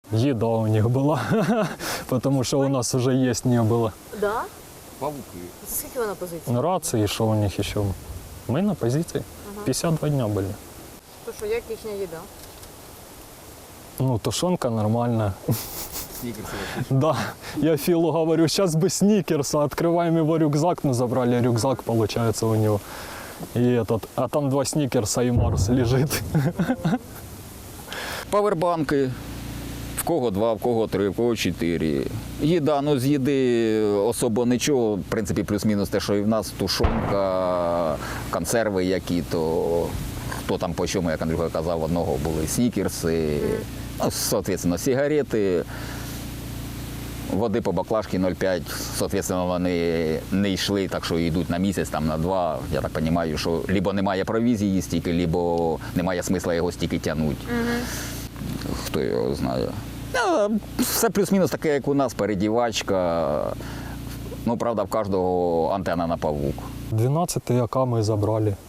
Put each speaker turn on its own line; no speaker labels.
Еда у них была, потому что у нас уже есть не было.
Да?
Павуки.
Скільки ви на позиції?
Рации, что у них еще? Мы на позиции. 52 дня были.
То що, як їхня їда?
Ну, тушенка нормальная.
Снікерси.
Да, я Филу говорю, сейчас бы сникерса, открываем его рюкзак, ну забрали рюкзак, получается, у него. И этот, а там 2 сникерса и Марс лежит.
Павербанки. В кого 2, в кого 3, в кого 4. Їда, ну з їди особо нічого, в принципі, плюс-мінус те, що і в нас, тушонка, консерви які, то хто там по чому, як Андрюха казав, одного були снікерси, ну, соответственно, сигарети, води по баклажці 0,5, соответственно, вони не йшли, так що йдуть на місяць, там, на 2. Я так розумію, що либо немає провізії стільки, либо немає смисла його стільки тягнути. Хто його знає. Все плюс-мінус таке, як у нас, передівачка. Ну, правда, в кожного антенна на павук.
12 АК мы забрали.